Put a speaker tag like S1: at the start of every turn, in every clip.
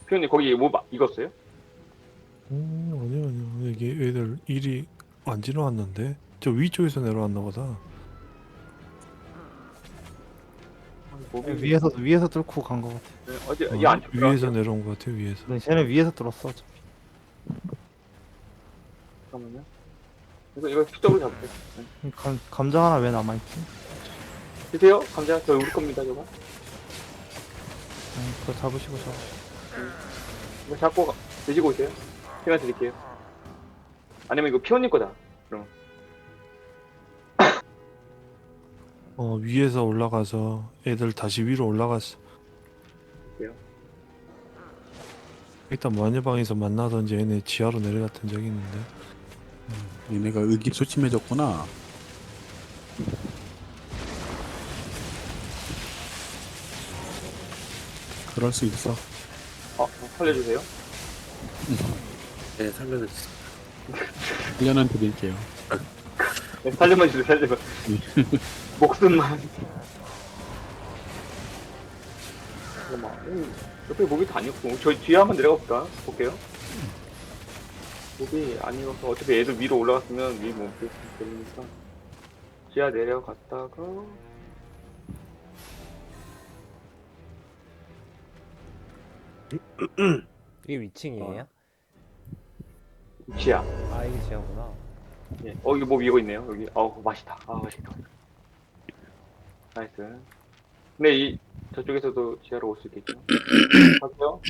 S1: 피오님 거기 뭐 익었어요?
S2: 아니요. 이게 애들 일이 안 지나왔는데? 저 위쪽에서 내려왔나 보다.
S1: 목이
S3: 위에서 뚫고 간 거 같아.
S1: 어디 이안
S2: 위에서 내려온 것 같아, 위에서.
S3: 네, 쟤는 위에서 뚫었어 어차피.
S1: 잠깐만요. 이거 수적으로 잡을게요. 네.
S3: 감자 하나 왜 남아있지?
S1: 드세요. 감자 저 우리 겁니다 저거.
S3: 그거 잡으시고.
S1: 이거 잡고 드시고 오세요. 시간 드릴게요. 아니면 이거 피오님 거다. 그럼
S2: 위에서 올라가서 애들 다시 위로 올라갔어.
S1: 그래요?
S2: 일단 마녀방에서 만나던지 얘네 지하로 내려갔던 적이 있는데.
S4: 얘네가 의기소침해졌구나. 그럴 수 있어.
S1: 살려주세요.
S5: 네, 살려주세요.
S4: 훈련은 드릴게요.
S1: 네, 살려만 주세요. 살려만. 목숨만. 잠깐만. 옆에 목이 다 아니었고 저 뒤에 한번 내려가 볼까? 볼게요. 목이 아니어서 어차피 애들 위로 올라갔으면 위 목이 되니까 지하 내려갔다가
S6: 이게 위층이에요?
S1: 지하.
S6: 아 이게 지하구나.
S1: 예. 이거 뭐 이거 있네요. 여기. 맛있다. 맛있다. 나이스. 근데 저쪽에서도 지하로 올 수 있겠죠? 갈게요.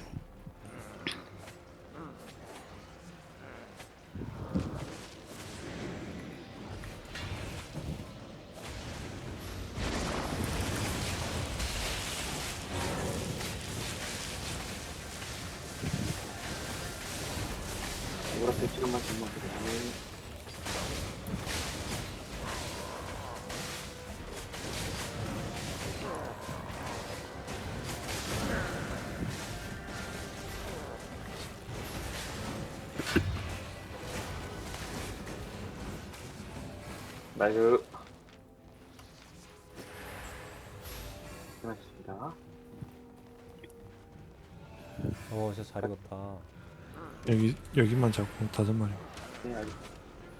S1: 노란색 시간만 좀만 기다려. 나이스. 고맙습니다.
S6: 오 진짜 잘 익었다.
S2: 여기만 잡고 5마리.
S1: 네, 알겠습니다.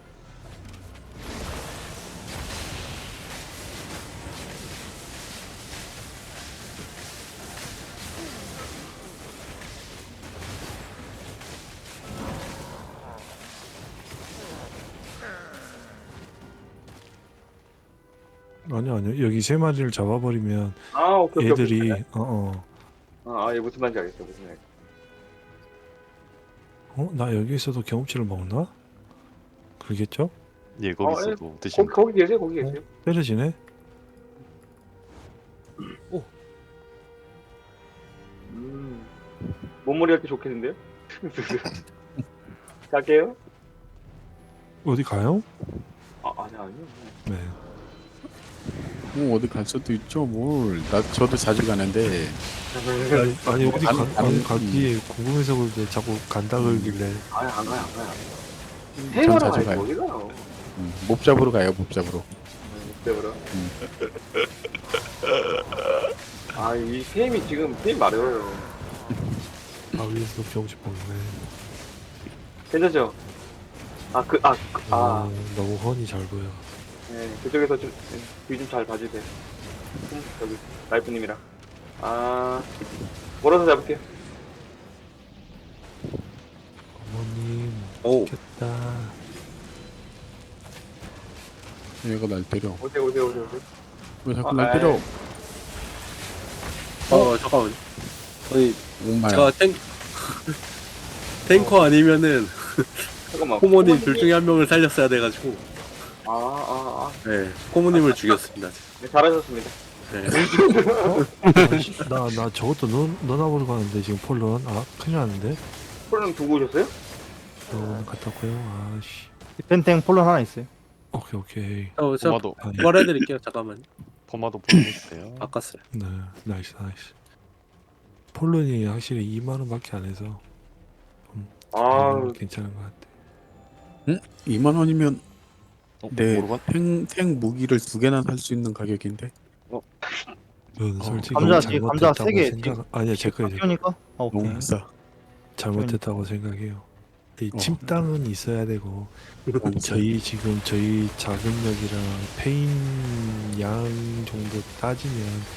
S2: 아니요. 여기 3마리를 잡아버리면
S1: 오케이.
S2: 애들이,
S1: 얘 무슨 말인지 알겠어. 무슨 말인지.
S2: 나 여기에서도 경험치를 먹나? 그러겠죠?
S7: 예, 거기서도 드시면
S1: 거기 계세요, 거기 계세요.
S2: 때려지네?
S1: 몸머리 할 때 좋겠는데요? 갈게요.
S2: 어디 가요?
S1: 아니요.
S2: 네.
S4: 어디 갈 수도 있죠, 뭘. 저도 자주 가는데.
S2: 아니 어디
S4: 안-
S2: 가기에 궁금해서 그런데 자꾸 간다 그러길래.
S1: 안 가요.
S4: 전
S1: 해외로
S4: 자주
S1: 가요,
S4: 가요.
S1: 어디 가요?
S4: 못 잡으러 가요, 못 잡으러.
S1: 그래. 이 게임이 지금 게임 마려워요.
S2: 위에서 경험치 먹네.
S1: 괜찮죠?
S2: 너무 훤히 잘 보여.
S1: 네, 그쪽에서 좀, 뒤 좀 잘 봐주세요. 여기, 라이프님이랑. 몰아서 잡을게요.
S2: 어머님
S5: 오,
S2: 좋겠다.
S4: 얘가 날 때려.
S1: 오세요.
S4: 왜 자꾸 날 때려?
S5: 잠깐만. 아니,
S4: 엄마야.
S5: 제가 탱커 아니면은
S1: 잠깐만.
S5: 코모님 둘 중에 한 명을 살렸어야 돼가지고,
S1: 아.
S5: 코모님을 죽였습니다.
S1: 네, 잘하셨습니다.
S5: 네.
S2: 나 저것도 넣어보러 가는데 지금 폴런. 큰일 났는데.
S1: 폴름 두고 오셨어요?
S2: 갔다 왔고요. 아씨.
S3: 펜탱 폴론 하나 있어요.
S2: 오케이.
S5: 저
S7: 포마도
S5: 부활해드릴게요. 잠깐만요.
S7: 포마도 보내주세요.
S5: 바꿨어요.
S2: 네, 나이스. 폴론이 확실히 2만원밖에 안 해서 괜찮은 것 같아.
S4: 2만 원이면 네,
S7: 모르겠.
S4: 탱 무기를 2개나 살 수 있는 가격인데.
S2: 솔직히
S3: 감자 뒤에 감자
S2: 잘못했다고
S3: 3개
S2: 생각 아니야 제 거예요.
S3: 피우니까? 오케이.
S4: 너무 비싸.
S2: 잘못했다고 생각해요. 이
S4: 어.
S2: 침땅은 있어야 되고 저희 지금 저희 자금력이랑 페인 양 정도 따지면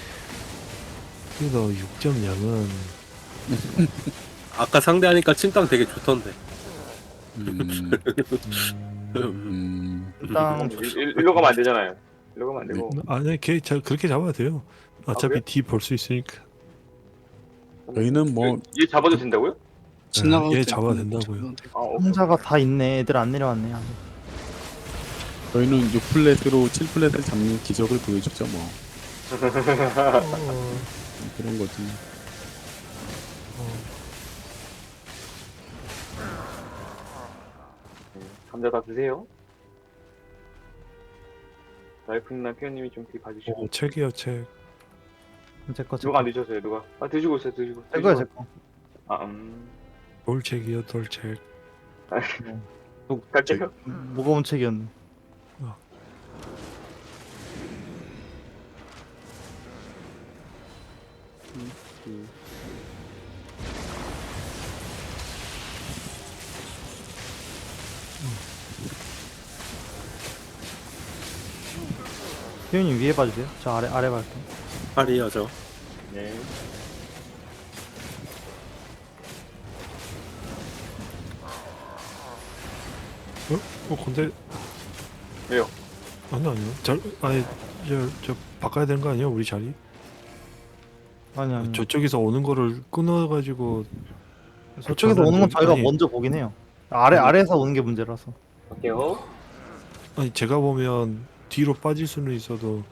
S2: 그래도 6.0은
S5: 아까 상대하니까 침땅 되게 좋던데.
S3: 일단
S1: 일로 가면 안 되잖아요. 일로 가면 안 되고.
S2: 아니 그렇게 잡아도 돼요. 어차피
S1: 그래요?
S2: D 볼 수 있으니까.
S4: 저희는 뭐
S1: 얘 잡아도 된다고요?
S4: 지나가도
S2: 얘
S4: 되고
S2: 잡아도 된다고요.
S1: 아, 오케이.
S3: 혼자가 다 있네. 애들 안 내려왔네. 아직.
S4: 저희는 6플랫으로 7플랫을 잡는 기적을 보여주죠 뭐. 그런 거지.
S1: 감자 다 드세요. 라이프님이나 피어님이 좀 뒤 봐주시고.
S2: 책이요 책.
S3: 제거
S1: 누가 안 드셨어요? 누가? 아 드시고 있어요. 드시고.
S3: 제거야 제거.
S1: 아
S2: 돌책이요 돌책.
S1: 갈게요.
S3: 무거운 책이었네. 피우님 위에 봐주세요. 저 아래 갈게.
S5: 팔이요 저.
S1: 네.
S2: 근데
S1: 왜요?
S2: 아니요. 저 바꿔야 되는 거 아니에요 우리 자리?
S3: 아니.
S2: 저쪽에서 오는 거를 끊어가지고
S3: 저쪽에서 오는 건 저희가
S2: 아니,
S3: 먼저 보긴 해요. 아래에서 오는 게 문제라서.
S1: 갈게요.
S2: 아니 제가 보면 뒤로 빠질 수는 있어도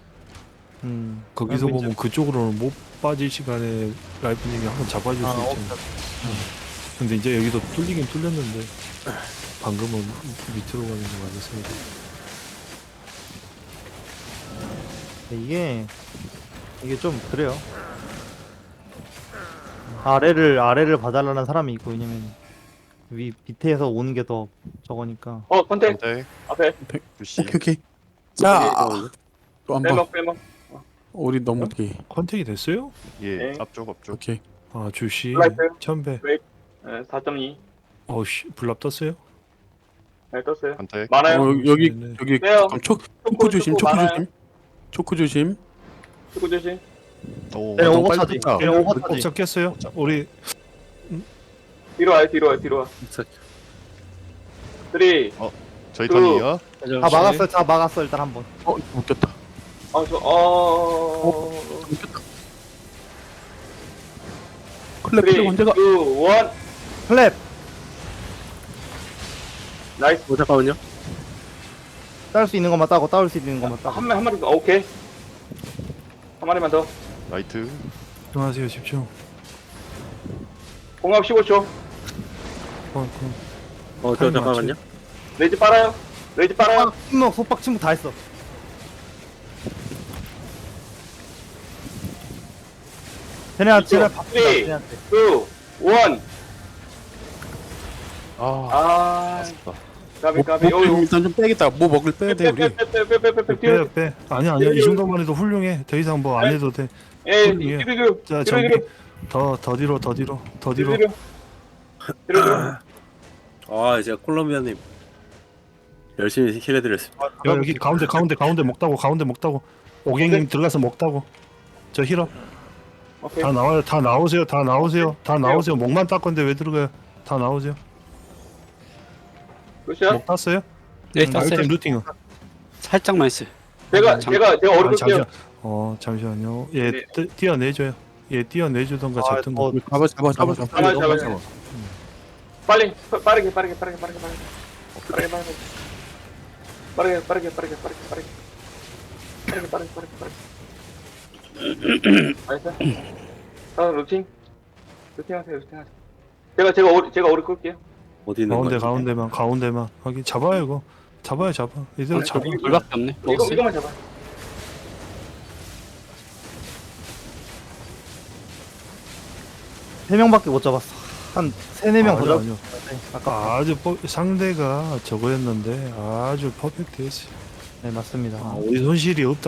S2: 거기서
S3: 아니,
S2: 보면 그쪽으로는 못 빠질 시간에 라이프님이 한번 잡아줄 수 있잖아요. 근데 이제 여기도 뚫리긴 뚫렸는데 방금은 밑으로 가는 거 맞았습니다.
S3: 이게 좀 그래요. 아래를 봐달라는 사람이 있고, 왜냐면 밑에서 오는 게 더 저거니까.
S1: 컨택
S7: 네.
S1: 앞에
S7: 부시.
S4: 오케이. 자, 또 한 번.
S1: 빼먹.
S4: 우리 너무 어떻게?
S2: 컨택이 됐어요?
S7: 예.
S1: 네.
S7: 앞쪽 앞쪽.
S4: 오케이.
S2: 아 주시
S1: 라이프.
S2: 천배.
S1: 4.2.
S2: 어씨 불납 떴어요?
S1: 네 떴어요.
S7: 컨택.
S1: 많아요.
S4: 여기
S2: 네네.
S4: 여기
S1: 빼요.
S4: 잠깐 초코 조심.
S1: 초코 많아요.
S4: 초코 조심.
S1: 축구 조심.
S7: 오.
S3: 네,
S4: 너무
S3: 오버차지.
S4: 빨리
S3: 네, 오버차지.
S2: 꼭 잡겠어요? 우리
S1: 뒤로 와요. 뒤로 와. 3.
S7: 저희
S1: 그-
S7: 턴이요.
S3: 다 막았어 일단 한 번.
S4: 웃겼다.
S1: 웃겼다.
S4: 클랩
S1: 3,
S4: 언제가?
S1: 2, 1.
S3: 클랩.
S1: 나이스.
S5: 잠깐만요.
S3: 따올 수 있는 것만 따고 따올 수 있는 것만 따고.
S1: 한 마리 더. 오케이. 한 마리만 더.
S7: 라이트.
S2: 집중하세요 집중.
S1: 공합 15초.
S5: 저 잠깐만요.
S1: 레이지 빨아요.
S3: 침묵 속박 침묵 다 했어. 쟤네 바쁘다.
S1: 3, 2,
S3: 쟤네한테.
S1: 1.
S7: 아. 아쉽다.
S1: 까비.
S4: 일단 좀 빼겠다. 뭐 먹을 빼야 돼 우리.
S2: 빼. 아니야 이 정도만 해도 훌륭해. 더 이상 뭐 안 해도 돼.
S1: 뒤로.
S2: 자 저기 더 뒤로.
S5: 이제 콜롬비아님 열심히 힐해드렸습니다.
S2: 여기 가운데 먹다고. 오갱님 들어가서 먹다고. 저 힐업.
S1: 오케이.
S2: 다 나오세요. 목만 땄 건데 왜 들어가요? 다 나오세요.
S1: 끝이야?
S2: 목 땄어요?
S8: 네,
S2: 아이템
S8: 땄어요.
S2: 루팅은.
S8: 살짝만 했어요.
S1: 제가 어리
S2: 아,
S1: 끌게요.
S2: 잠시만요. 얘
S1: 네.
S2: 띄어내줘요. 얘 띄어내주던가 잡든가.
S4: 잡아.
S1: 잡아. 빨리 빠르게. 빠르게. 알겠어? 다음 루팅 하세요. 제가 오리 끌게요.
S5: 어디 있는 거야?
S2: 가운데만. 하긴 잡아요 이거. 잡아. 이대로 잡아.
S8: 물밖에 없네. 먹었어요.
S1: 이거만 잡아.
S3: 세 명밖에 못 잡았어. 한 3-4명 더 잡았어.
S2: 아니요.
S3: 아까.
S2: 아주 상대가 저거였는데 아주 퍼펙트했어요.
S3: 네 맞습니다.
S2: 우리 손실이 없다.